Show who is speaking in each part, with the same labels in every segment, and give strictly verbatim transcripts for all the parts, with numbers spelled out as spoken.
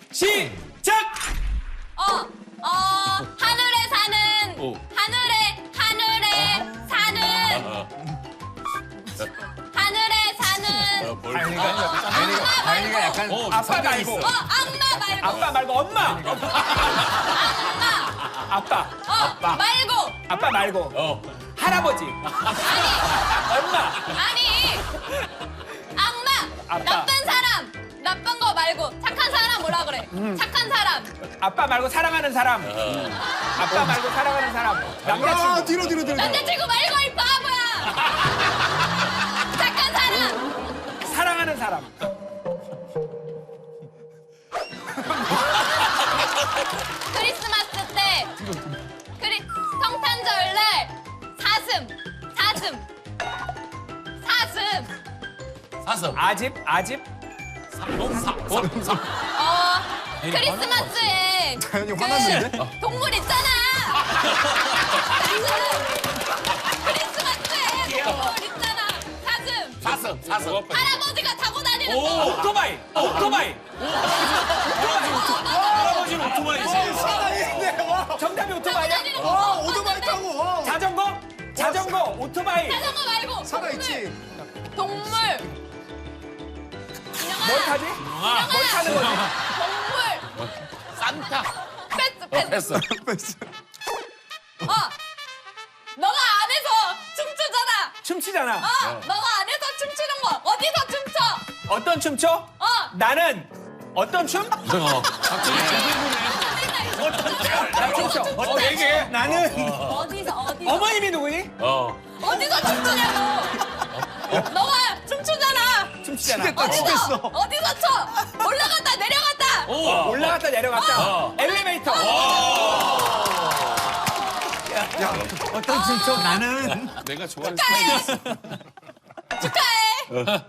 Speaker 1: 시작!
Speaker 2: 어, 어, 하늘에 사는,
Speaker 1: 오.
Speaker 2: 하늘에, 하늘에 사는, 하늘에 사는,
Speaker 3: 다현이가 다현이가 다현이가 약간
Speaker 1: 어,
Speaker 3: 아빠
Speaker 1: 성격이
Speaker 3: 말고
Speaker 1: 있어.
Speaker 2: 어, 악마 말고,
Speaker 3: 아빠 말고 엄마.
Speaker 2: 악마,
Speaker 3: 아빠
Speaker 2: 어, 말고,
Speaker 3: 아빠 말고
Speaker 1: 어.
Speaker 3: 할아버지
Speaker 2: 아니,
Speaker 3: 엄마
Speaker 2: 아니, 악마,
Speaker 3: 아빠.
Speaker 2: 나쁜 사람, 나쁜 거 말고, 착한 사람 뭐라 그래? 착한 사람,
Speaker 3: 아빠 말고 사랑하는 사람 아빠 말고 사랑하는 사람
Speaker 4: 아,
Speaker 3: 남자친구
Speaker 4: 뒤로 뒤로 뒤로.
Speaker 2: 남자친구 말고 이 바보야! 착한 사람,
Speaker 3: 사랑하는 사람
Speaker 2: 크리스마스 때, 크리, 성탄절날, 사슴, 사슴, 사슴,
Speaker 1: 사슴.
Speaker 3: 아집 아집
Speaker 2: 어, 크리스마스에
Speaker 4: 다현이 화났는데?
Speaker 2: 그 동물 있잖아. 사슴. 크리스마스에 동물 있잖아. 사슴.
Speaker 1: 사슴. 사슴.
Speaker 2: 할아버지가 타고 다니는
Speaker 1: 오.
Speaker 2: 거.
Speaker 3: 오토바이 오토바이
Speaker 1: 할아버지는 오토바이지.
Speaker 4: 살아있네. 와.
Speaker 3: 정답이
Speaker 2: 타고
Speaker 3: 오토바이야?
Speaker 2: 다니는 거.
Speaker 4: 와, 오토바이 타고. 와.
Speaker 3: 자전거 자전거 오토바이
Speaker 2: 자전거 말고.
Speaker 4: 살아있지.
Speaker 2: 동물.
Speaker 3: 뭘 타지?
Speaker 2: 인형아.
Speaker 3: 뭘 타는 거지?
Speaker 2: 동물.
Speaker 1: 산타.
Speaker 2: 패스 패스.
Speaker 1: 됐어.
Speaker 2: 어. 너가 안에서 춤추잖아.
Speaker 3: 춤추잖아
Speaker 2: 어. 너가 안에서 춤추는 거. 어디서 춤춰?
Speaker 3: 어떤 춤 춰?
Speaker 2: 어.
Speaker 3: 나는 어떤 춤?
Speaker 1: 어. 갑자기
Speaker 3: 나 춤춰 어, 얘기해 나는
Speaker 2: 어디서 어디서
Speaker 3: 어머님이 누구니?
Speaker 1: 어.
Speaker 2: 어디서 춤추냐고. 너가 춤추잖아.
Speaker 3: 춤추잖아
Speaker 2: 어디서 어디서 춰? 올라갔다 내려갔다.
Speaker 1: 오.
Speaker 3: 올라갔다 내려갔다
Speaker 1: 어.
Speaker 3: 엘리베이터
Speaker 4: 야,
Speaker 3: 어떤 춤 춰? 나는
Speaker 1: 내가 좋아하는
Speaker 2: 축하해. 축하해.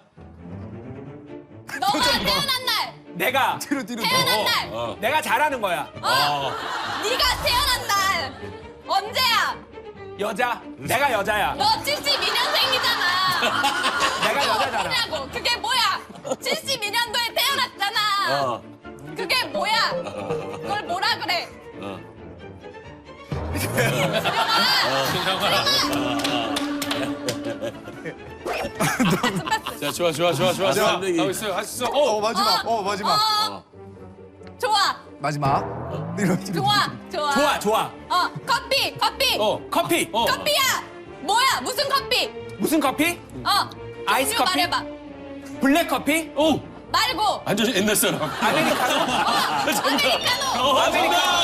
Speaker 2: 너가 태어난 날.
Speaker 3: 내가
Speaker 4: 뒤로 뒤로.
Speaker 2: 태어난 날.
Speaker 1: 어.
Speaker 3: 내가 잘하는 거야
Speaker 2: 어. 네가 태어난 날. 언제야?
Speaker 3: 여자 내가 여자야
Speaker 2: 너 칠십이 년생이잖아.
Speaker 3: 내가 여자잖아
Speaker 2: 뭐냐고. 그게 뭐야? 칠십이 년도에 태어났잖아.
Speaker 1: 어.
Speaker 2: 그게 뭐야? 그걸 뭐라 그래?
Speaker 1: 어. 자, 좋아, 좋아, 좋아, 좋아.
Speaker 4: 자,
Speaker 1: 하고 있어요. 할 수 있어.
Speaker 4: 어,
Speaker 1: 어.
Speaker 4: 마지막. 어, 마지막.
Speaker 2: 어. 좋아.
Speaker 4: 마지막. 뒤로 뒤로.
Speaker 2: 좋아. 좋아.
Speaker 3: 좋아 좋아
Speaker 2: 어, 커피. 커피.
Speaker 1: 어.
Speaker 3: 커피
Speaker 1: 어.
Speaker 2: 커피야. 뭐야? 무슨 커피?
Speaker 3: 무슨 커피?
Speaker 2: 어.
Speaker 3: 아이스
Speaker 2: 종류
Speaker 3: 커피?
Speaker 2: 말해봐.
Speaker 3: 블랙 커피?
Speaker 1: 오.
Speaker 2: 말고.
Speaker 1: 완전 옛날 사람.
Speaker 3: 아메리카노?
Speaker 2: 아메리카노.
Speaker 1: 어,
Speaker 3: 아메리카노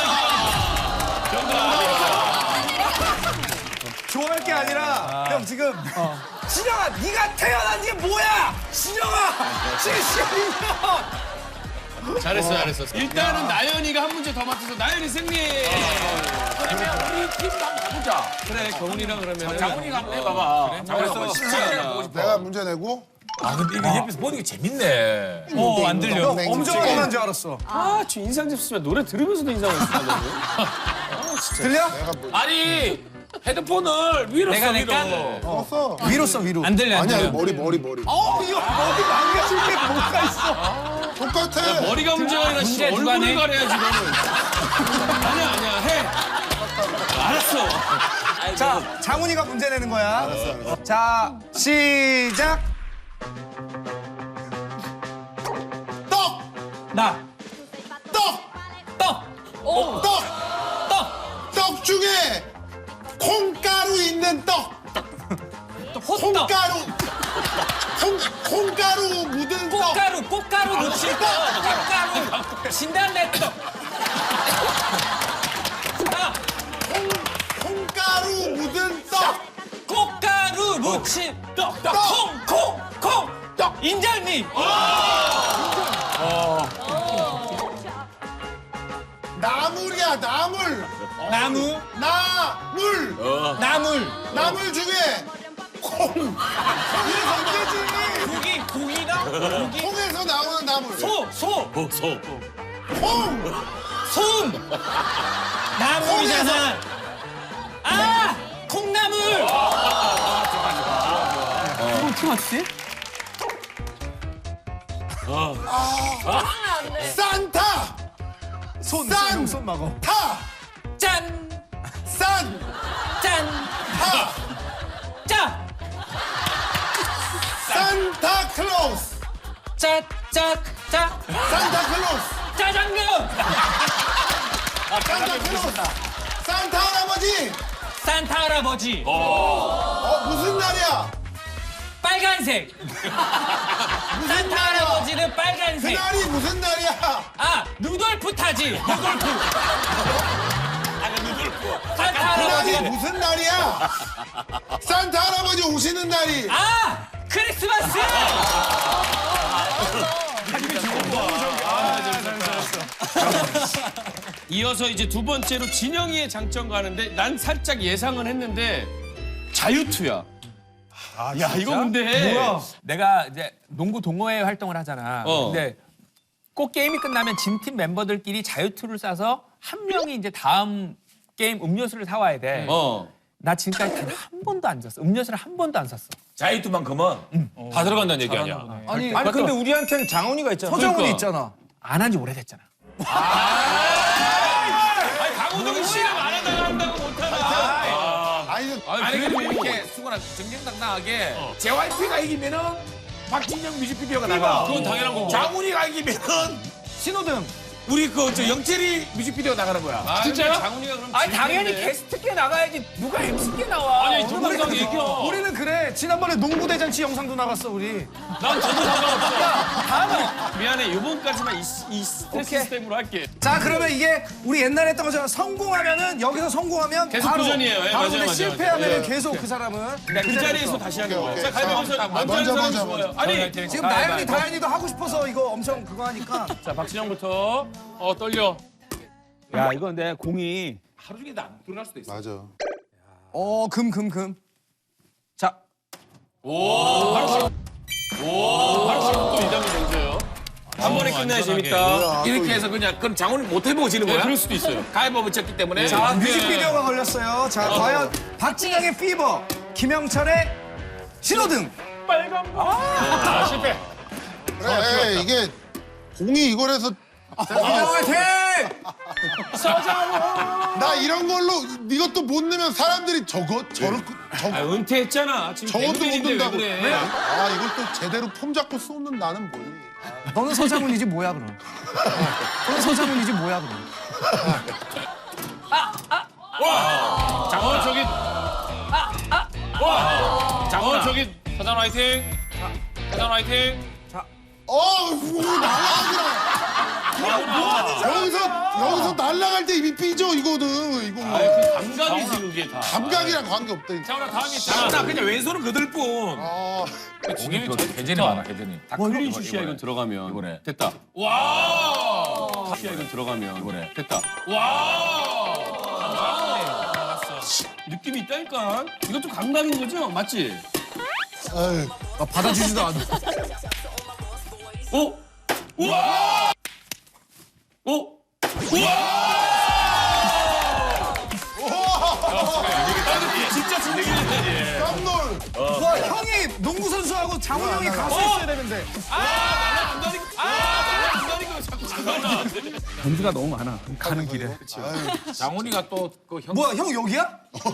Speaker 4: 좋아할 게 아니라 형 지금 신영아 네가 태어난 게 뭐야? 신영아 칠십이 년.
Speaker 1: 잘했어, 잘했어. 일단은 나연이가 한 문제 더 맞춰서 나연이 승리. 그러면 우리 팀도 한번 가보자. 그래, 경훈이랑 그러면. 장훈이가 한번 해봐봐.
Speaker 3: 그래서
Speaker 5: 내가 문제 내고
Speaker 1: 아, 근데 이거 옆에서 보는 게 재밌네. 어, 안 들려.
Speaker 4: 형 엄청 뻔한 줄 알았어.
Speaker 1: 아, 저 인상 잡수면 노래 들으면서도 인상을 쓰는데.
Speaker 4: 들려?
Speaker 5: 내가 뭐
Speaker 1: 아니, 헤드폰을 위로 써, 위로.
Speaker 5: 썼어.
Speaker 4: 위로 써 위로.
Speaker 3: 안 들려 안
Speaker 5: 아니야
Speaker 3: 들려
Speaker 5: 머리 머리 머리.
Speaker 4: 어, 이거 머리 망가질 게 뭐가 있어?
Speaker 5: 똑같아.
Speaker 1: 머리가 문제가 아니라 씨,
Speaker 3: 문제 누가
Speaker 1: 얼굴을
Speaker 3: 내?
Speaker 1: 가려야지, 너는. 아니야, 아니야, 해. 알았어.
Speaker 4: 자, 장훈이가 문제 내는 거야. 자, 시작.
Speaker 5: 떡!
Speaker 3: 나
Speaker 5: 떡!
Speaker 3: 떡!
Speaker 2: 오.
Speaker 5: 떡!
Speaker 3: 떡!
Speaker 5: 떡 중에 콩가루 있는 떡!
Speaker 3: 호떡!
Speaker 5: 콩가루! 콩, 콩가루 묻은 떡!
Speaker 3: 꽃가루 꽃가루 놓칠 떡! 꽃가루 진달래 떡! 나
Speaker 5: 콩, 콩가루 묻은 떡!
Speaker 3: 꽃가루 무침 떡! 떡!
Speaker 5: 떡!
Speaker 3: 콩! 콩! 콩! 떡! 인절미!
Speaker 5: 나물이야 나물!
Speaker 3: 나무
Speaker 5: 나물!
Speaker 3: 나물
Speaker 5: 나물 중에 콩! 이게 던지지!
Speaker 3: 고기 고기랑 고기
Speaker 5: 콩에서 나오는 나물!
Speaker 3: 소! 소!
Speaker 1: 어, 소.
Speaker 5: 콩!
Speaker 3: 솜! 나물이잖아 아! 콩나물! 이거 어떻게 맞추지?
Speaker 5: 산타!
Speaker 4: 손,
Speaker 5: 산.
Speaker 4: 손, 손 막어.
Speaker 5: 타.
Speaker 3: 짠!
Speaker 5: 산.
Speaker 3: 짠!
Speaker 5: 타.
Speaker 3: 짜!
Speaker 5: 산타클로스.
Speaker 3: 짜! 짜! 짜!
Speaker 5: 산타클로스.
Speaker 3: 짜장면!
Speaker 5: 산타클로스. 산타 할아버지.
Speaker 3: 산타 할아버지!
Speaker 5: 어 무슨 날이야?
Speaker 3: 빨간색! 산타 할아버지는 빨간색!
Speaker 5: 그날이 무슨 날이야?
Speaker 3: 아! 루돌프 타지! 루돌프! 산타
Speaker 5: 그날이
Speaker 3: 할아버지가
Speaker 5: 무슨 날이야? 산타 할아버지 오시는 날이.
Speaker 3: 아! 크리스마스!
Speaker 1: 이어서 이제 두 번째로 진영이의 장점 가는데 난 살짝 예상은 했는데 자유투야. 야 이거 근데
Speaker 4: 뭐야?
Speaker 3: 내가 이제 농구 동호회 활동을 하잖아.
Speaker 1: 어.
Speaker 3: 근데 꼭 게임이 끝나면 진 팀 멤버들끼리 자유투를 싸서 한 명이 이제 다음 게임 음료수를 사와야 돼.
Speaker 1: 어.
Speaker 3: 나 지금까지 단 한 번도 안 샀어. 음료수를 한 번도 안 샀어.
Speaker 6: 자유투만큼은 다 들어간다는 얘기 아니야.
Speaker 4: 아니,
Speaker 3: 아니,
Speaker 4: 근데 우리한테는 장훈이가 있잖아. 서장훈이
Speaker 1: 그러니까.
Speaker 4: 있잖아.
Speaker 3: 안 한 지 오래됐잖아.
Speaker 1: 아니 강호동이 씨랑 안 하다가 한다고 못하나.
Speaker 5: 아니
Speaker 6: 아니 그리고 이렇게 수근아 정정당당하게 제이와이피가 이기면은 박진영 뮤직비디오가 나가.
Speaker 1: 그건 당연한 거고.
Speaker 6: 장훈이가 이기면은
Speaker 4: 신호등.
Speaker 6: 우리 그 저 영철이 뮤직비디오 나가는 거야.
Speaker 1: 아, 진짜? 장훈이가 그럼
Speaker 3: 아니
Speaker 1: 질
Speaker 3: 당연히
Speaker 1: 텐데.
Speaker 3: 게스트께 나가야지. 누가 엠씨께 나와?
Speaker 1: 아니 동영상 얘기야.
Speaker 4: 우리는 그래. 지난번에 농구 대잔치 영상도 나갔어 우리.
Speaker 1: 난 저도 상관없어. 미안해 요번까지만 이, 이 스트레스
Speaker 4: 오케이.
Speaker 1: 시스템으로 할게.
Speaker 4: 자 그러면 이게 우리 옛날에 했던 것처럼 성공하면은 여기서 성공하면
Speaker 1: 계속
Speaker 4: 바로
Speaker 1: 도전이에요. 예,
Speaker 4: 바로
Speaker 1: 맞아요,
Speaker 4: 근데
Speaker 1: 맞아요,
Speaker 4: 실패하면은
Speaker 1: 맞아요.
Speaker 4: 계속 그 사람은
Speaker 1: 그 자리에서 다시 하는 거야. 자 가위바위보
Speaker 5: 자,
Speaker 1: 먼저
Speaker 5: 먼저,
Speaker 1: 하는
Speaker 5: 먼저,
Speaker 1: 사람이 좋아요.
Speaker 5: 먼저.
Speaker 1: 아니
Speaker 4: 지금 나연이 다현이도 하고 싶어서 이거 엄청 그거 하니까.
Speaker 1: 자 박진영부터. 어 떨려.
Speaker 3: 야 이거 근데 공이
Speaker 6: 하루 종일 안 돌아갈 수도 있어.
Speaker 5: 맞아.
Speaker 4: 어 금 금 금. 자
Speaker 1: 바로 또 이 단계 던져요. 한 번에 끝나야 재밌다.
Speaker 6: 이렇게 해서 그냥 그럼 장훈이 못 해보고 지는
Speaker 1: 네,
Speaker 6: 거야?
Speaker 1: 그럴 수도 있어요.
Speaker 6: 가위바위보 쳤기 때문에.
Speaker 4: 자, 뮤직비디오가 걸렸어요. 자, 과연 박진영의 피버, 김영철의 신호등.
Speaker 1: 아 실패.
Speaker 5: 그래 이게 공이 이걸 해서
Speaker 4: 화이팅!
Speaker 5: 나 이런 걸로 이것도 못 넣으면 사람들이 저거 저렇게
Speaker 1: 아
Speaker 5: 저
Speaker 1: 은퇴했잖아. 지금
Speaker 5: 저것도 못
Speaker 1: 백년인데 왜
Speaker 5: 넣는다고.
Speaker 1: 그래?
Speaker 5: 아 이걸 또 제대로 폼 잡고 쏘는 나는 뭐니?
Speaker 4: 너는 서장훈이지 뭐야 그럼? 너는 서장훈이지 뭐야 그럼?
Speaker 1: 장원 저기. 와. 장원 저기. 사장 화이팅. 사장 화이팅.
Speaker 5: 어, 뭐 날라가더라. 여기서 여기서 날라갈 때 이미 삐져 이거는 이거
Speaker 1: 아, 그 감각이지 그게 다.
Speaker 5: 감각이랑 관계 없다. 이거.
Speaker 1: 장원아 다음이
Speaker 6: 나 그냥 왼손은 그들 뿐.
Speaker 5: 아,
Speaker 1: 공이
Speaker 6: 회전이 많아, 회전이.
Speaker 1: 클린 슛이야 이건 들어가면.
Speaker 6: 이거래.
Speaker 1: 됐다. 와. 슛이야 이건 들어가면.
Speaker 6: 이거래.
Speaker 1: 됐다. 와. 느낌이 있다니까. 이것도 감각인 거죠? 맞지?
Speaker 5: 아유,
Speaker 4: 아, 받아주지도 않아.
Speaker 1: 어? 우와! 어? 우와! 진짜 진짜
Speaker 5: 깜놀.
Speaker 4: 와, 형이 농구 선수하고 장훈 형이 가수 했어야 되는데.
Speaker 1: 안 가니까 아, 안 가니까 자꾸 장난아.
Speaker 3: 점수가 너무 많아. 가는 길에.
Speaker 5: 아유,
Speaker 6: 장훈이가 또 그 형.
Speaker 4: 뭐야, 형 여기야?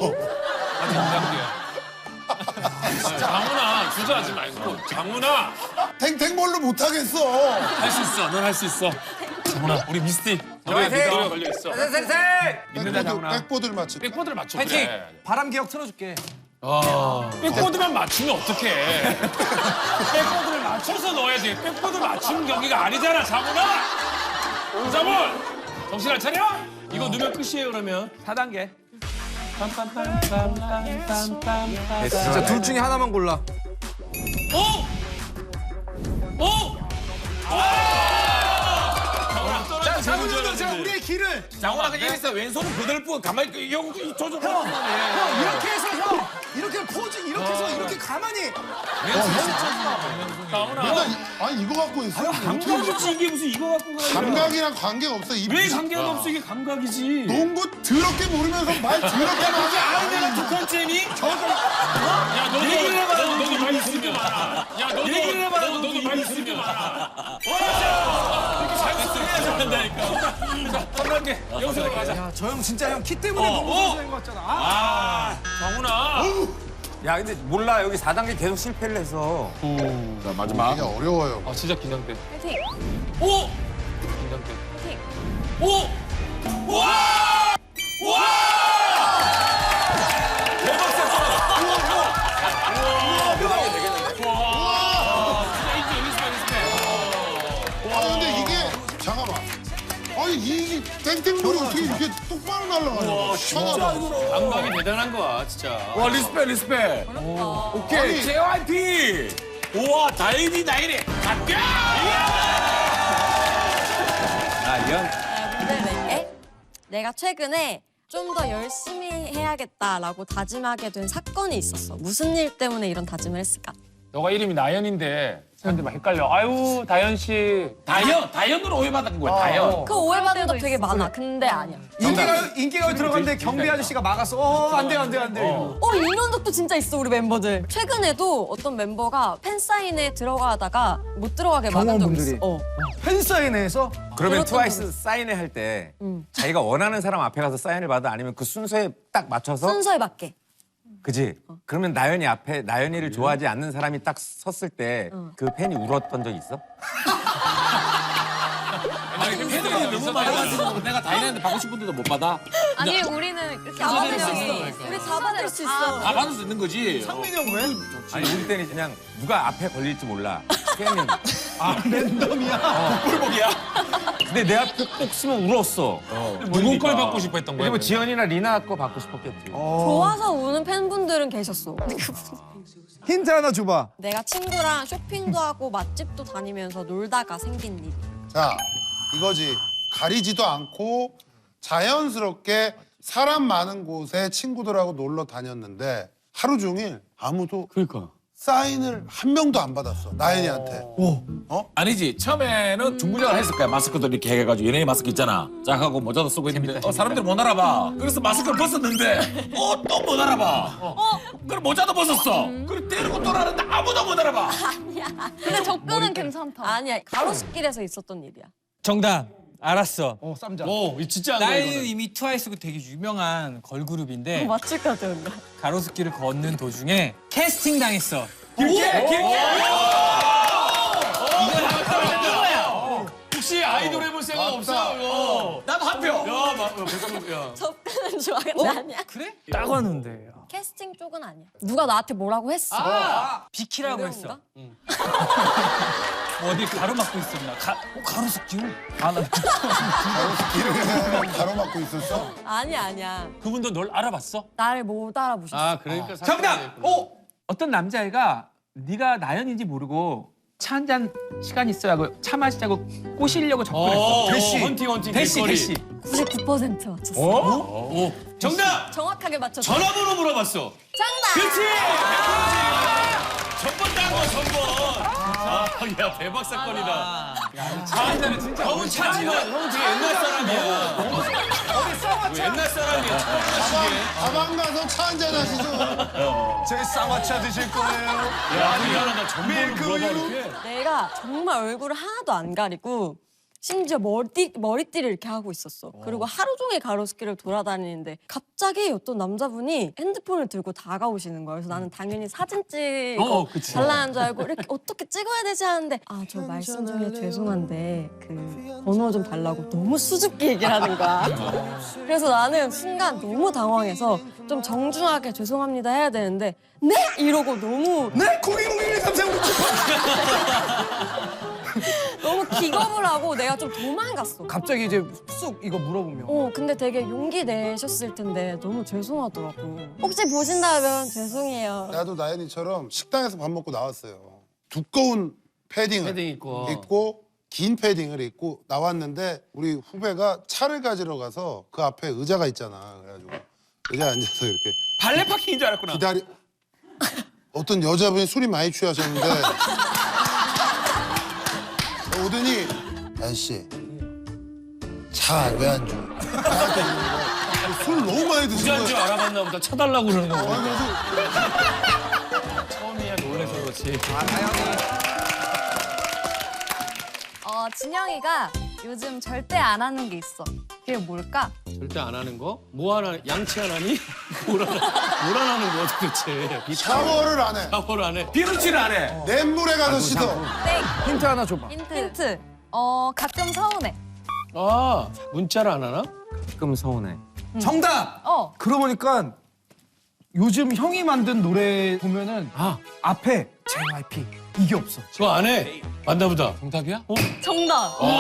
Speaker 1: 장훈아 주저하지 말고 장훈아
Speaker 5: 탱탱볼로 못 하겠어.
Speaker 1: 할 수 있어. 넌 할 수 있어. 장훈아 우리 미스티 너의 미덕에 걸려 있어.
Speaker 5: 백보드, 백보드를 맞추.
Speaker 1: 백보드를 맞춰.
Speaker 4: 파이팅!
Speaker 1: 그래.
Speaker 4: 바람 기억 틀어줄게.
Speaker 1: 백보드만 맞추면 어떡해. 백보드를 맞춰서 넣어야 돼. 백보드 맞추는 경기가 아니잖아, 장훈아. 장훈! 정신 안 차려? 이거 넣으면 끝이에요, 그러면.
Speaker 3: 사 단계.
Speaker 4: 진짜 둘 중에 하나만 골라.
Speaker 1: 오! 오!
Speaker 4: 자, 장훈이도 자, 우리의 길을.
Speaker 6: 장훈아 그냥 여기서 왼손은 그들 뿐 가만히 그 형, 이 조절.
Speaker 4: 형, 형, 이렇게 해서 형, 이렇게 포즈, 이렇게 해서 이렇게 가만히.
Speaker 5: 맨날 이- 아니 이거 갖고 있어.
Speaker 1: 감각이지, 이게 무슨 이거 갖고 가야
Speaker 5: 감각이랑 관계가 없어. 이
Speaker 1: 왜 관계가 없어? 이게 감각이지.
Speaker 5: 농구 더럽게 모르면서 말 더럽게 하지.
Speaker 1: 아니, 내가 독한 잼이? 야, 너도 얘기를 해봐. 너도 너도 많이 있으면. 야, 너도 얘기를 해봐. 너도 너도 많이 있으면. 와, 이렇게 잘 쓰면 잘한다니까. 개. 영석으로 가자.
Speaker 4: 야, 저 형 진짜 형 키 때문에
Speaker 1: 어,
Speaker 4: 너무
Speaker 1: 어.
Speaker 4: 선수인 것 같잖아. 아,
Speaker 1: 아, 정훈아.
Speaker 7: 야 근데 몰라 여기 사 단계 계속 실패를 해서
Speaker 6: 자, 마지막.
Speaker 5: 이게 어려워요.
Speaker 1: 아, 진짜 긴장돼.
Speaker 2: 파이팅.
Speaker 1: 오! 긴장돼. 오! 와! 와! 대박 사건! 우와, 우와! 우와, 되겠네. 와! 진짜 인정, 리스펙, 리스펙.
Speaker 5: 아 근데 이게 잠깐만. 아니 이 땡땡볼이 어떻게 이렇게 똑바로 날아가냐? 진짜 이거.
Speaker 1: 감각이 대단한 거야, 진짜.
Speaker 6: 와, 리스펙, 리스펙. 오케이,
Speaker 5: 아니.
Speaker 6: 제이와이피. 우와, 다행이다, 다행이. 갈게!
Speaker 7: 아 이런
Speaker 8: 내가 문제를 낼게. 내가 최근에 좀 더 열심히 해야겠다라고 다짐하게 된 사건이 있었어. 무슨 일 때문에 이런 다짐을 했을까?
Speaker 1: 너가 이름이 나연인데 사람들이 막 헷갈려. 아유, 다연 씨.
Speaker 6: 다현, 다현으로 오해받은 거야, 다현.
Speaker 8: 그 오해받는 적 되게 많아. 근데 아니야.
Speaker 4: 인기가 인기가 들어갔는데 경비 아저씨가 막았어. 어, 안 돼, 안 돼, 안 돼. 이러고.
Speaker 8: 어 이런 적도 진짜 있어 우리 멤버들. 최근에도 어떤 멤버가 팬 사인회 들어가다가 못 들어가게 막은 적
Speaker 4: 경호원분들이.
Speaker 8: 있어. 어.
Speaker 4: 팬사인회에서
Speaker 7: 그러면
Speaker 8: 그렇던
Speaker 7: 트와이스
Speaker 8: 분이
Speaker 7: 사인회 할 때
Speaker 8: 응.
Speaker 7: 자기가 원하는 사람 앞에 가서 사인을 받아 아니면 그 순서에 딱 맞춰서
Speaker 8: 순서에 맞게.
Speaker 7: 그지? 그러면 나연이 앞에 나연이를 좋아하지 않는 사람이 딱 섰을 때 그 팬이 울었던 적 있어?
Speaker 6: 아니, 팬들이 너무 많아서 내가 다현한테 받고 싶은 데도 못 받아.
Speaker 2: 아니 우리는 이렇게
Speaker 8: 잡아들 수
Speaker 2: 순서대로
Speaker 8: 있어. 우리 잡아들 수 있어.
Speaker 6: 다 받을 수 있는 거지.
Speaker 4: 상민이 형 왜?
Speaker 7: 아니 우리 때는 그냥 누가 앞에 걸릴지 몰라. 팬은
Speaker 4: 아 랜덤이야.
Speaker 6: 꿀복이야.
Speaker 7: 근데 내 앞에 꼭 쓰면 울었어.
Speaker 1: 누구 걸 받고 싶어 했던 거야?
Speaker 7: 그리고 지연이나 리나 거 받고 싶었겠지.
Speaker 8: 좋아서 우는 팬분들은 계셨어.
Speaker 4: 힌트 하나 줘봐.
Speaker 8: 내가 친구랑 쇼핑도 하고 맛집도 다니면서 놀다가 생긴 일.
Speaker 5: 자 이거지. 가리지도 않고 자연스럽게 사람 많은 곳에 친구들하고 놀러 다녔는데 하루 종일 아무도
Speaker 6: 그러니까.
Speaker 5: 사인을 한 명도 안 받았어. 나연이한테.
Speaker 6: 아니지, 처음에는 중구장을 했을 거야. 마스크도 이렇게 해가지고 연예인 마스크 있잖아. 짝하고 모자도 쓰고 있는데 어, 사람들이 못 알아봐. 그래서 마스크를 벗었는데 어, 또 못 알아봐. 어, 그럼 모자도 벗었어. 그리고 때리고 돌아가는데 아무도 못 알아봐.
Speaker 2: 근데 접근은 괜찮다.
Speaker 8: 아니야 가로수길에서 있었던 일이야.
Speaker 9: 정답 알았어.
Speaker 4: 어 쌈장.
Speaker 1: 오, 이 진짜 안 돼,
Speaker 9: 나이는
Speaker 1: 이거는.
Speaker 9: 이미 트와이스고 되게 유명한 걸그룹인데
Speaker 8: 맞출 것 같아 뭔가.
Speaker 9: 가로수길을 걷는 도중에 캐스팅 당했어.
Speaker 6: 길게, 길게.
Speaker 1: 혹시 아이돌 해볼 생각 없어? 이거.
Speaker 6: 나도 한 표.
Speaker 1: 야, 마, 야, 백성문, 야.
Speaker 8: 접근은 좋아 근데 아니야.
Speaker 9: 그래? 딱 왔는데.
Speaker 8: 캐스팅 쪽은 아니야. 누가 나한테 뭐라고 했어.
Speaker 9: 비키라고
Speaker 8: 그런
Speaker 9: 했어.
Speaker 8: 건가?
Speaker 9: 뭐 어디 가로막고 있었나? 가, 어, 가로수길? 아, 나
Speaker 5: 길을 가로막고 있었어.
Speaker 8: 아니야 아니야.
Speaker 1: 그분도 널 알아봤어?
Speaker 8: 나를 못 알아보셨어.
Speaker 1: 아, 그러니까.
Speaker 3: 정답! 오! 어떤 남자애가 네가 나연인지 모르고 차 한 잔 시간 있어야 하고 차 마시자고 꼬시려고 접근했어.
Speaker 1: 대시. 헌팅, 헌팅.
Speaker 3: 대시,
Speaker 1: 길거리.
Speaker 3: 대시.
Speaker 8: 구십구 퍼센트 맞췄어.
Speaker 1: 오, 정답!
Speaker 8: 정확하게 맞췄어.
Speaker 1: 전화번호 물어봤어.
Speaker 8: 정답.
Speaker 1: 그렇지! 전번 딴거 전번. 아, 야, 대박 사건이다. 차 한잔은 진짜. 형은 차 한잔. 형은 되게 옛날 사람이야. 뭐 옛날 사람이야. 처음 마시게.
Speaker 5: 가방 가서 차 한잔 하시죠.
Speaker 4: 제 쌍화차 드실 거예요.
Speaker 1: 야, 미안하다. 전번을 물어봐, 이렇게.
Speaker 8: 내가 정말 얼굴을 하나도 안 가리고 심지어 머리, 머리띠를 이렇게 하고 있었어. 그리고 하루 종일 가로수길을 돌아다니는데 갑자기 어떤 남자분이 핸드폰을 들고 다가오시는 거야. 그래서 나는 당연히 사진 찍어
Speaker 1: 어, 그치.
Speaker 8: 달라는 줄 알고 이렇게 어떻게 찍어야 되지 하는데 아, 저 말씀 중에 죄송한데 그 번호 좀 달라고 너무 수줍게 얘기를 하는 거야. 그래서 나는 순간 너무 당황해서 좀 정중하게 죄송합니다 해야 되는데 네? 이러고 너무
Speaker 4: 네? 공인공인일 삼삼
Speaker 8: 너무 기겁을 하고 내가 좀 도망갔어.
Speaker 4: 갑자기 이제 쑥 이거 물어보면.
Speaker 8: 어, 근데 되게 용기 내셨을 텐데 너무 죄송하더라고. 혹시 보신다면 죄송해요.
Speaker 5: 나도 나연이처럼 식당에서 밥 먹고 나왔어요. 두꺼운 패딩을
Speaker 1: 패딩 입고.
Speaker 5: 입고 긴 패딩을 입고 나왔는데 우리 후배가 차를 가지러 가서 그 앞에 의자가 있잖아. 그래가지고 의자에 앉아서 이렇게
Speaker 3: 발레 파킹인 줄 알았구나.
Speaker 5: 기다리. 어떤 여자분이 술이 많이 취하셨는데 오더니 아저씨 차 왜 안 줘? 나한테 이러는 거야. 술 너무 많이 드신
Speaker 1: 부자인 줄
Speaker 5: 거야.
Speaker 1: 알아봤나 보다. 쳐달라고 그러는 거.
Speaker 5: 아, 그래서
Speaker 1: 처음이야 놀래서 그렇지.
Speaker 2: 어, 진영이가 요즘 절대 안 하는 게 있어. 그게 뭘까?
Speaker 10: 절대 안 하는 거? 뭐 하나 양치 안 하니? 뭘 하나, 뭘 안 하는 거야 도대체?
Speaker 5: 샤워를 안 해.
Speaker 10: 샤워를 안 해.
Speaker 6: 비누칠을 안 해.
Speaker 5: 냇물에 가서 씻어.
Speaker 2: 땡.
Speaker 4: 힌트 하나 줘봐.
Speaker 2: 힌트. 힌트. 어 가끔 서운해.
Speaker 10: 아 문자를 안 하나?
Speaker 7: 가끔 서운해.
Speaker 4: 정답.
Speaker 2: 어.
Speaker 4: 그러고 보니까 요즘 형이 만든 노래 보면은 아 앞에 제이와이피 이게 없어.
Speaker 10: 그거 안 해. 맞나 보다. 정답이야? 어?
Speaker 2: 정답. 어,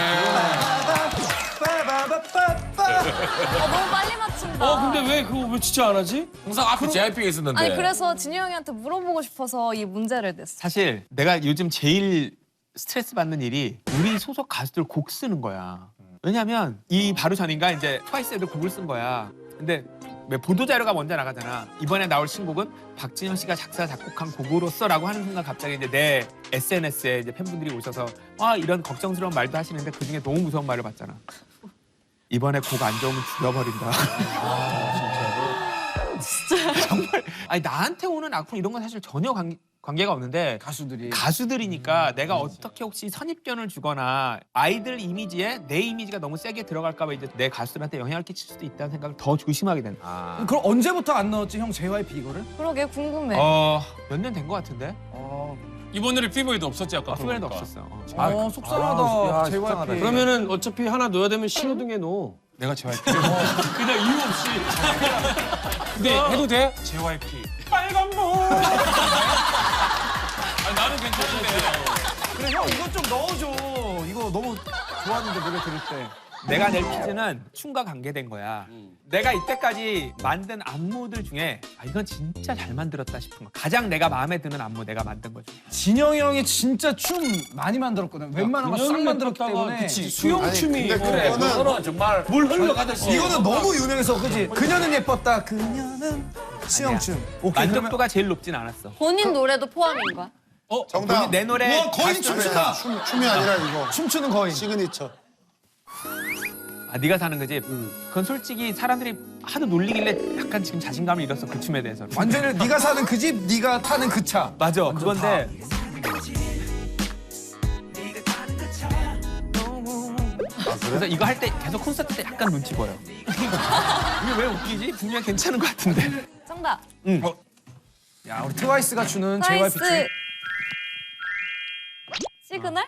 Speaker 2: 너무 빨리 맞춘다.
Speaker 10: 어 근데 왜 그거 왜 진짜 안 하지?
Speaker 6: 항상 앞에 제이아이피가 있었는데.
Speaker 2: 아니 그래서 진유 형한테 물어보고 싶어서 이 문제를 냈어.
Speaker 3: 사실 내가 요즘 제일 스트레스 받는 일이 우리 소속 가수들 곡 쓰는 거야. 왜냐면 이 바로 전인가 이제 트와이스 애들 곡을 쓴 거야. 근데 왜 보도자료가 먼저 나가잖아. 이번에 나올 신곡은 박진영 씨가 작사 작곡한 곡으로서라고 하는 순간 갑자기 이제 내 에스엔에스에 이제 팬분들이 오셔서 와 이런 걱정스러운 말도 하시는데 그 중에 너무 무서운 말을 봤잖아. 이번에 곡 안 좋으면 죽여버린다. 진짜 정말 아니 나한테 오는 악플 이런 건 사실 전혀 관, 관계가 없는데
Speaker 4: 가수들이.
Speaker 3: 가수들이니까 내가 어떻게 혹시 선입견을 주거나 아이들 이미지에 내 이미지가 너무 세게 들어갈까 봐 이제 내 가수들한테 영향을 끼칠 수도 있다는 생각을 더 조심하게 된다.
Speaker 7: 아.
Speaker 4: 그럼 언제부터 안 넣었지 형 제이와이피 이거를?
Speaker 2: 그러게 궁금해.
Speaker 3: 어, 몇 년 된 것 같은데?
Speaker 4: 어,
Speaker 1: 이번 노래 피부에도 없었지 아까.
Speaker 3: 피부에도
Speaker 1: 그러니까.
Speaker 3: 없었어. 어.
Speaker 4: 어 속상하다.
Speaker 7: 아,
Speaker 4: 제이와이피.
Speaker 7: 속상하다.
Speaker 10: 그러면은 어차피 하나 넣어야 되면 신호등에 넣어.
Speaker 4: 내가 제이와이피.
Speaker 1: 그냥 이유 없이. 근데 해도 돼? 제이와이피. 빨간 모. 아니 나는 괜찮은데.
Speaker 4: 그래 형 이거 좀 넣어줘. 이거 너무 좋았는데 노래 들을 때.
Speaker 3: 내가 낼 퀴즈는 춤과 관계된 거야. 내가 이때까지 만든 안무들 중에 아, 이건 진짜 잘 만들었다 싶은 거. 가장 내가 마음에 드는 안무 내가 만든 거 중에.
Speaker 4: 진영이 형이 진짜 춤 많이 만들었거든. 웬만한 거 싹 만들었기 때문에.
Speaker 10: 그치 수영춤이.
Speaker 5: 근데
Speaker 6: 그래,
Speaker 5: 그거는
Speaker 6: 그거는 정말 물 흘러가듯이.
Speaker 4: 이거는 너무 유명해서 그지? 그녀는 예뻤다. 그녀는 수영춤. 오케이 그러면
Speaker 3: 만족도가 제일 높진 않았어.
Speaker 2: 본인 노래도 포함인 거야?
Speaker 5: 정답.
Speaker 3: 내 노래
Speaker 4: 우와, 거의
Speaker 3: 가수
Speaker 4: 춤추다.
Speaker 5: 춤, 춤이 아니라 이거.
Speaker 4: 춤추는 거인.
Speaker 5: 시그니처.
Speaker 3: 아, 네가 사는 거지? 그건 솔직히 사람들이 하도 놀리길래 약간 지금 자신감을 잃었어, 그 춤에 대해서.
Speaker 4: 완전히 네가 사는 그 집, 네가 타는 그 차.
Speaker 3: 맞아, 그건데.
Speaker 5: 아,
Speaker 3: 그래서
Speaker 5: 그래?
Speaker 3: 이거 할 때 계속 콘서트 때 약간 눈치 보여. 이게 왜 웃기지? 분명 괜찮은 것 같은데.
Speaker 2: 정답.
Speaker 3: 응.
Speaker 4: 어. 야, 우리 트와이스가 주는 제이와이피 춤.
Speaker 2: 트와이스. 시그널?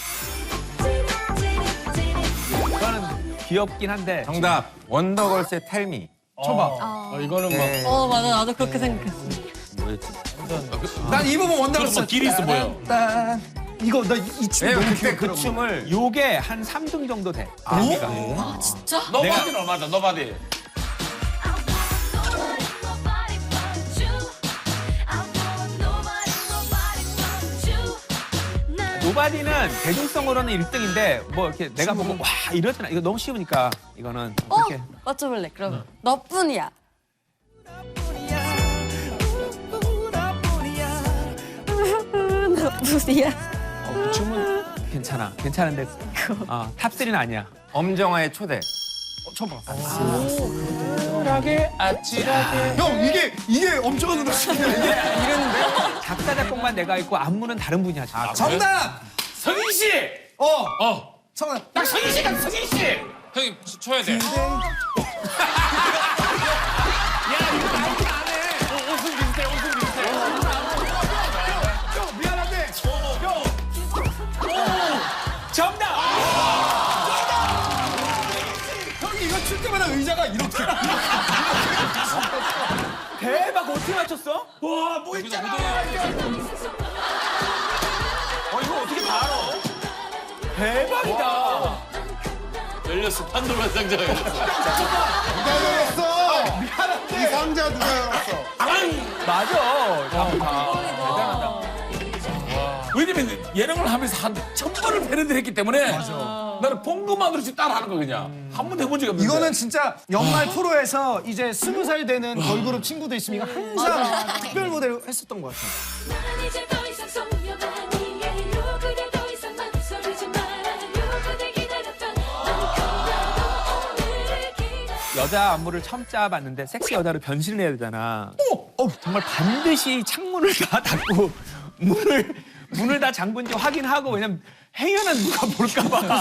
Speaker 3: 그거는 귀엽긴 한데.
Speaker 7: 정답. 원더걸스의 텔미.
Speaker 4: 쳐봐.
Speaker 10: 어, 이거는 막
Speaker 8: 어 맞아 나도 그렇게 생각했어.
Speaker 7: 뭐였지?
Speaker 4: 난 이 부분 원더걸스.
Speaker 1: 뭐 길이 있어 보여.
Speaker 4: 딴. 이거 나 이 춤
Speaker 7: 왜냐면
Speaker 4: 너무
Speaker 7: 그때 그
Speaker 4: 귀엽더라고.
Speaker 7: 춤을
Speaker 3: 요게 한 삼 등 정도 돼. 의미가.
Speaker 6: 노바디는 얼마다 노바디.
Speaker 3: 노바디는 대중성으로는 일 등인데 뭐 이렇게 내가 보고 와 이러잖아. 이거 너무 쉬우니까 이거는
Speaker 8: 어
Speaker 3: 이렇게.
Speaker 8: 맞춰볼래? 그럼 너뿐이야. 너뿐이야.
Speaker 3: 어, 그 춤은 괜찮아. 괜찮은데 어, 탑쓰리는 아니야.
Speaker 7: 엄정화의 초대.
Speaker 4: 쳐봐.
Speaker 1: 아찔하게 아찔하게.
Speaker 4: 형 이게 이게 엄청 누나 춤이야. 이게
Speaker 3: 작사 작곡만 내가 있고 안무는 다른 분이 하지. 아,
Speaker 4: 정답.
Speaker 6: 성인 씨.
Speaker 4: 어.
Speaker 1: 어.
Speaker 4: 정답.
Speaker 6: 딱 성인 씨가 성인 씨.
Speaker 1: 형님 쳐- 쳐야 돼.
Speaker 4: 형 미안한데.
Speaker 3: 정답.
Speaker 4: 형이 이거 출 때마다 의자가 이렇게.
Speaker 3: 대박 어떻게 맞췄어?
Speaker 1: 와, 뭐 있잖아.
Speaker 3: 어 이거 어떻게 다 알아? 대박이다.
Speaker 1: 열렸어. 판도라 상자가 열렸어.
Speaker 5: 누가 열었어? 미안한데. 이 상자 누가 열었어?
Speaker 3: 맞아. 대단하다.
Speaker 6: 왜냐면 예능을 하면서 한 천 번을 패러디를 했기 때문에 나는 본 것만으로 지금 따라하는 거 그냥 한 번도 해본 적이 없는데.
Speaker 4: 이거는 진짜 연말 프로에서 이제 스무 살 되는 걸그룹 친구들 있으면 이거 항상 특별 무대를 했었던 것 같아.
Speaker 11: 난 이제 더 이상 소녀가 아니에요. 그대 더 이상 망설이지 말아요. 그대 기다렸던 너무 오늘을 기다려.
Speaker 3: 여자 안무를 처음 짜봤는데 섹시 여자로 변신을 해야 되잖아. 어, 정말 반드시 창문을 다 닫고 문을 문을 다 잠근지 확인하고 왜냐면 혜연은 누가 볼까봐.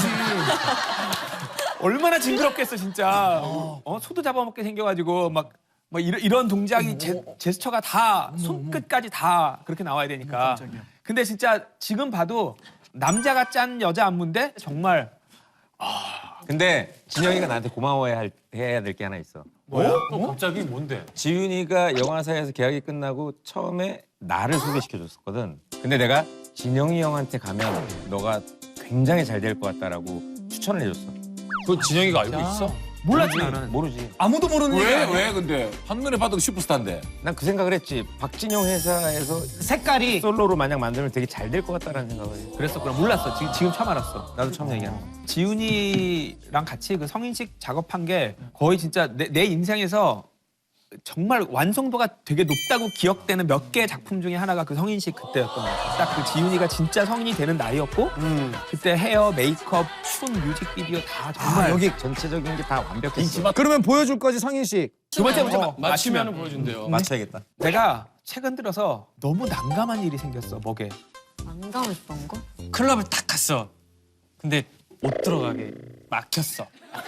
Speaker 3: 얼마나 징그럽겠어 진짜. 어 소도 잡아먹게 생겨가지고 막. 뭐 이런, 이런 동작이 제, 제스처가 다 손끝까지 다 그렇게 나와야 되니까. 근데 진짜 지금 봐도 남자가 짠 여자 안무인데 정말
Speaker 7: 근데 진영이가 나한테 고마워해야 할, 해야 될 게 하나 있어.
Speaker 1: 뭐야? 어? 갑자기 뭔데?
Speaker 7: 지윤이가 영화사에서 계약이 끝나고 처음에 나를 소개시켜줬었거든. 근데 내가 진영이 형한테 가면 너가 굉장히 잘 될 것 같다라고 추천을 해줬어.
Speaker 1: 그거 진영이가 알고 있어?
Speaker 3: 몰랐지 나는.
Speaker 7: 모르지.
Speaker 9: 아무도 모르는
Speaker 6: 왜?
Speaker 9: 얘기
Speaker 6: 왜 근데 한눈에 봐도 슈퍼스타인데.
Speaker 7: 난 그 생각을 했지. 박진영 회사에서
Speaker 9: 색깔이
Speaker 7: 솔로로 만약 만들면 되게 잘 될 것 같다라는 생각을 해.
Speaker 3: 그랬었구나. 몰랐어. 지금, 지금 처음 알았어.
Speaker 7: 나도 처음 얘기하는 거.
Speaker 3: 지훈이랑 같이 그 성인식 작업한 게 거의 진짜 내, 내 인생에서 정말 완성도가 되게 높다고 기억되는 몇 개의 작품 중에 하나가 그 성인식 그때였던 것 같아요. 딱 그 지훈이가 진짜 성인이 되는 나이였고 그때 헤어, 메이크업, 춤, 뮤직비디오 다 정말
Speaker 7: 아, 여기 전체적인 게 다 완벽했어.
Speaker 4: 그러면 보여줄 거지 성인식.
Speaker 3: 두 번째 문제 마-
Speaker 10: 맞추면
Speaker 3: 맞추면
Speaker 10: 보여준대요.
Speaker 7: 맞춰야겠다.
Speaker 3: 내가 최근 들어서 너무 난감한 일이 생겼어 목에.
Speaker 8: 난감했던 거?
Speaker 9: 클럽을 딱 갔어. 근데 못 들어가게 막혔어.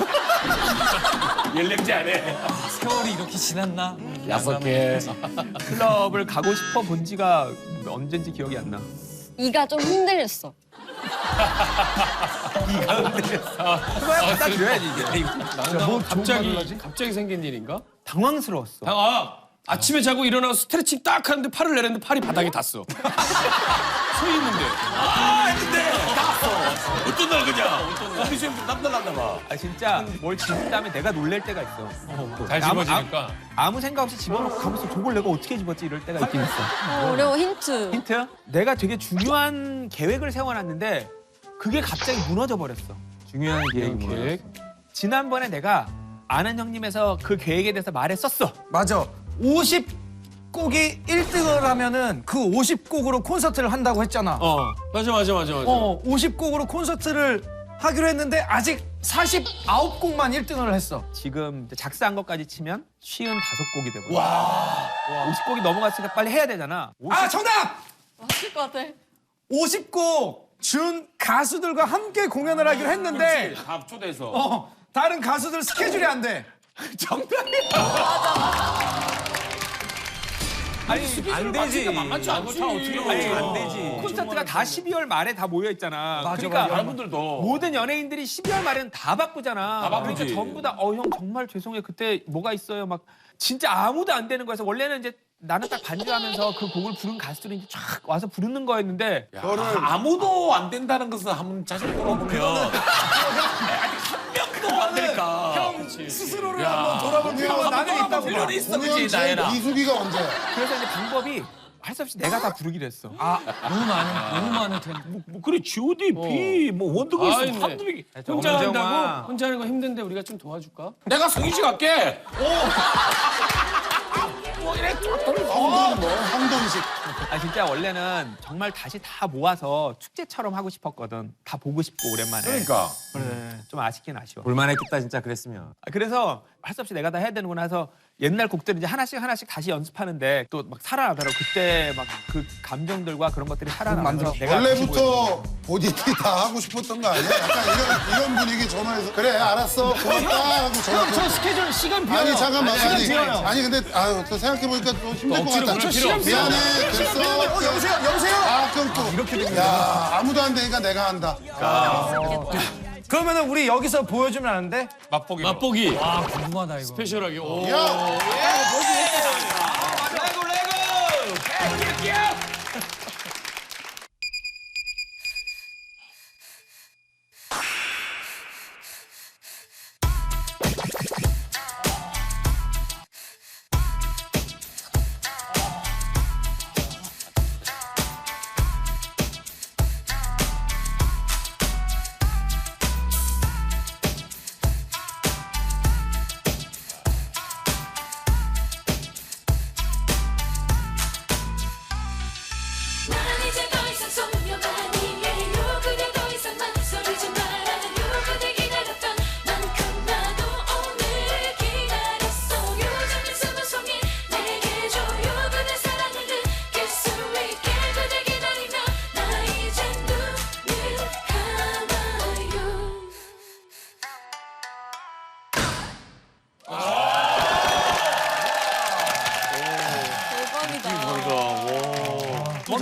Speaker 1: 연령제 안 해.
Speaker 9: 세월이 이렇게 지났나?
Speaker 6: 여섯 개.
Speaker 3: 클럽을 가고 싶어 본 지가 언젠지 기억이 안 나.
Speaker 8: 이가 좀 흔들렸어.
Speaker 3: 그거야 갖다 줘야지 이제.
Speaker 10: 뭐 갑자기 갑자기 생긴 일인가?
Speaker 3: 당황스러웠어.
Speaker 10: 아, 아침에 자고 일어나서 스트레칭 딱 하는데 팔을 내렸는데 팔이 바닥에 닿았어. 서 있는데.
Speaker 6: 아 했는데 나왔어. 어떤 날 그냥. 우리 지금 남들 났나 봐.
Speaker 3: 아 진짜 뭘 집은 다음에 내가 놀랄 때가 있어.
Speaker 1: 잘
Speaker 3: 아무-
Speaker 1: 집어지니까.
Speaker 3: 아무 생각 없이 집어넣고 가면서 저걸 내가 어떻게 집었지 이럴 때가 있긴 있어.
Speaker 8: 어, 어려워 힌트.
Speaker 3: 힌트? 내가 되게 중요한 계획을 세워놨는데 그게 갑자기 무너져 버렸어.
Speaker 7: 중요한 계획이 뭐야?
Speaker 10: 계획.
Speaker 3: 지난번에 내가 아는 형님에서 그 계획에 대해서 말했었어.
Speaker 4: 맞아. 오십 곡이 일 등을 하면은 그 오십 곡으로 콘서트를 한다고 했잖아.
Speaker 3: 어.
Speaker 10: 맞아 맞아 맞아 맞아.
Speaker 4: 어, 오십 곡으로 콘서트를 하기로 했는데 아직 사십구 곡만 일 등을 했어.
Speaker 3: 지금 이제 작사한 것까지 치면 쉰다섯 곡이 되거든. 와. 오십 곡이 넘어갔으니까 빨리 해야 되잖아.
Speaker 4: 아, 정답!
Speaker 8: 맞을 것 같아.
Speaker 4: 오십 곡 준 가수들과 함께 공연을 하기로 했는데
Speaker 6: 다 초대해서.
Speaker 4: 어, 다른 가수들 스케줄이 안 돼.
Speaker 3: 아니 안 되지.
Speaker 6: 만만치 않지. 어떻게
Speaker 3: 아니
Speaker 6: 안
Speaker 3: 안 되지. 콘서트가 다 십이월 말에 다 모여 있잖아. 그러니까
Speaker 6: 다른 분들도.
Speaker 3: 모든 연예인들이 십이월 말에는 다 바쁘잖아.
Speaker 6: 다 바쁘지.
Speaker 3: 그러니까 전부 다 어 형 정말 죄송해요. 그때 뭐가 있어요. 막 진짜 아무도 안 되는 거여서 원래는 이제 나는 딱 반주하면서 그 곡을 부른 가수들이 이제 쫙 와서 부르는 거였는데
Speaker 6: 너를 아무도 안 된다는 것은 한번 자신 돌아보면 아직 한 명도 안 되니까.
Speaker 4: 형 스스로를
Speaker 6: 야.
Speaker 4: 한번 돌아볼 필요가 나는 있다고 봐.
Speaker 6: 필요는 있어,
Speaker 5: 공연
Speaker 6: 그지
Speaker 5: 제일
Speaker 6: 나연아.
Speaker 5: 미숙이가 언제야?
Speaker 3: 그래서 이제 방법이 할 수 없이 내가 다 부르기로 했어.
Speaker 9: 너무 많은 너무 많은 텐.
Speaker 6: 뭐 그래 지오디, 비, 뭐 원더걸스
Speaker 10: 아이, 네.
Speaker 6: 한두 명.
Speaker 10: 혼자
Speaker 3: 엄정아.
Speaker 10: 한다고? 혼자 하는 거 힘든데 우리가 좀 도와줄까?
Speaker 6: 내가 성희씨 갈게.
Speaker 5: 황돈 뭐? 황돈식.
Speaker 3: 아 진짜 원래는 정말 다시 다 모아서 축제처럼 하고 싶었거든. 다 보고 싶고 오랜만에.
Speaker 6: 그러니까.
Speaker 3: 그래. 좀 아쉽긴 아쉬워.
Speaker 7: 볼만했겠다 진짜 그랬으면.
Speaker 3: 아, 그래서 할 수 없이 내가 다 해야 되는구나 해서 옛날 곡들 이제 하나씩 하나씩 다시 연습하는데 또 막 살아나더라고. 그때 막 그 감정들과 그런 것들이 살아나서 내가
Speaker 5: 원래부터 본인이 다 하고 싶었던 거 아니야? 약간 이런, 이런 분위기 전화해서 그래 알았어 고맙다 하고 전화
Speaker 10: 저 스케줄 시간 비어요.
Speaker 5: 아니 잠깐만
Speaker 10: 시간
Speaker 5: 아니
Speaker 10: 비어요.
Speaker 5: 아니 근데 아유 또 생각해보니까 좀 힘들 것
Speaker 10: 억지로
Speaker 5: 같다
Speaker 10: 그럴 필요 없어.
Speaker 5: 미안해 됐어
Speaker 4: 어, 여보세요, 여보세요.
Speaker 5: 아 그럼 또 이렇게 되면 야 아무도 안 되니까 내가 한다
Speaker 4: 그러면은 우리 여기서 보여주면 안 돼?
Speaker 1: 맛보기.
Speaker 10: 맛보기.
Speaker 9: 아 궁금하다 이거.
Speaker 10: 스페셜하게. 오.
Speaker 5: 야
Speaker 1: 레고 레고.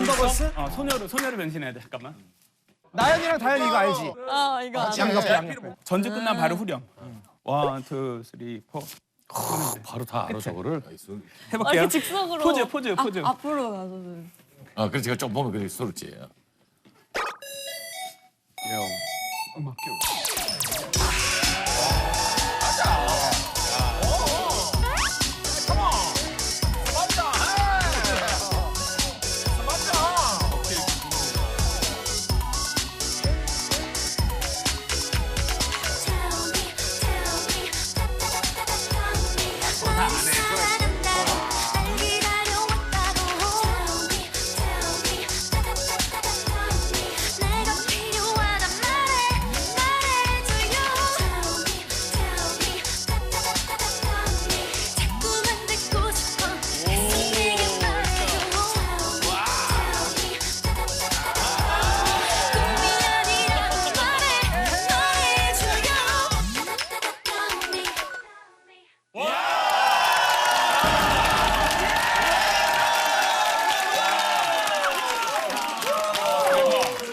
Speaker 4: 썬더걸스?
Speaker 9: 어 소녀로 소녀로 변신해야 돼. 잠깐만.
Speaker 4: 나연이랑 다현이 이거 알지?
Speaker 8: 아 이거 안 돼.
Speaker 5: 양옆에
Speaker 4: 양옆에.
Speaker 9: 전주 끝난 바로 후렴. 원, 투, 쓰리, 포.
Speaker 6: 바로 다 알아 저거를.
Speaker 8: 아,
Speaker 9: 해볼게요.
Speaker 8: 이렇게 즉석으로.
Speaker 9: 포즈, 포즈, 포즈.
Speaker 8: 아, 앞으로 가서는.
Speaker 6: 아 그래서 제가 좀 보면 그렇게 서럽지.
Speaker 9: 요.